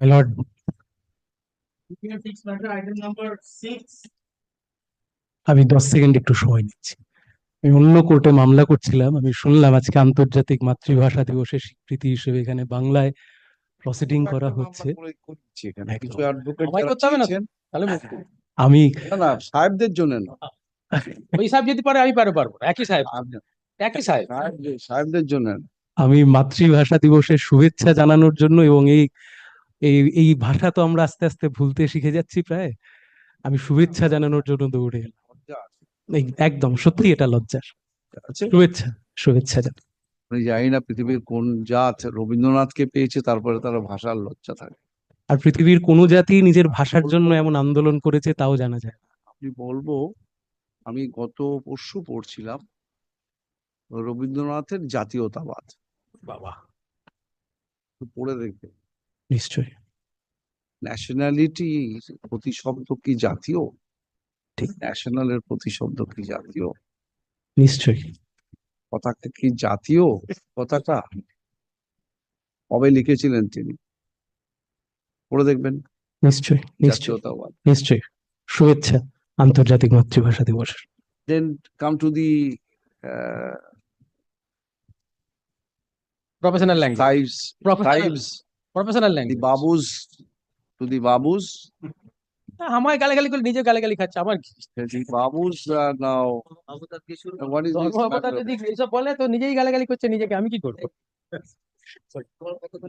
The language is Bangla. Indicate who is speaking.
Speaker 1: My lord, আমি 10 সেকেন্ড একটু সময় নিচ্ছি। আমি অন্য কোর্টে মামলা করছিলাম, আমি শুনলাম আজকে আন্তর্জাতিক মাতৃভাষা দিবসের স্বীকৃতি হিসেবে এখানে বাংলায় প্রসিডিং করা হচ্ছে।
Speaker 2: কিছু
Speaker 1: একদম।
Speaker 2: অ্যাডভোকেট
Speaker 3: আমায় করতে হবে না তো? তাহলে
Speaker 1: আমি
Speaker 2: না না সাহেবদের জন্য না,
Speaker 3: ওই সাহেব যদি পারে আমি পারবো না, একই সাহেব একই সাহেব।
Speaker 2: সাহেবদের জন্য না।
Speaker 1: আমি মাতৃভাষা দিবসের শুভেচ্ছা জানানোর জন্য এবং এই এই এই ভাষা তো আমরা আস্তে আস্তে ভুলতে শিখে যাচ্ছি প্রায়, আমি শুভেচ্ছা জানানোর জন্য দৌড়ে এলাম। একদম সত্যি এটা লজ্জার।
Speaker 2: আছে
Speaker 1: শুভেচ্ছা শুভেচ্ছা জানাই।
Speaker 2: আমি জানি না পৃথিবীর কোন জাত রবীন্দ্রনাথকে পেয়েছে তারপরে তারা ভাষার লজ্জা থাকে।
Speaker 1: আর পৃথিবীর কোনো জাতি নিজের ভাষার জন্য এমন আন্দোলন করেছে তাও জানা যায় না।
Speaker 2: আমি বলবো, আমি গত পরশু পড়ছিলাম রবীন্দ্রনাথের জাতীয়তাবাদ,
Speaker 1: বাবা,
Speaker 2: একটু পড়ে দেখবে।
Speaker 1: নিশ্চয়ই।
Speaker 2: ন্যাশনালিটি প্রতিশব্দ কি জাতীয়?
Speaker 1: ঠিক।
Speaker 2: ন্যাশনালের প্রতিশব্দ কি জাতীয়?
Speaker 1: নিশ্চয়ই।
Speaker 2: পতাকা কি জাতীয় পতাকা? কবে লিখেছিলেন তিনি? পড়ে দেখবেন।
Speaker 1: নিশ্চয়ই নিশ্চয়ই
Speaker 2: জাতীয়তাবাদ।
Speaker 1: নিশ্চয়ই। শুভেচ্ছা আন্তর্জাতিক মাতৃভাষা দিবসের।
Speaker 2: Then come to the
Speaker 3: professional language,
Speaker 2: tribes,
Speaker 3: professional
Speaker 2: the
Speaker 3: language.
Speaker 2: babus, to the babus.
Speaker 3: আমায় গালাগালি করে নিজে গালাগালি খাচ্ছে, আমার কি?
Speaker 2: The babus are now. What is this
Speaker 3: ধর্ম অবতার
Speaker 2: matter?
Speaker 3: যদি এইসব বলে তো নিজেই গালাগালি করছে নিজেকে, আমি কি করবো?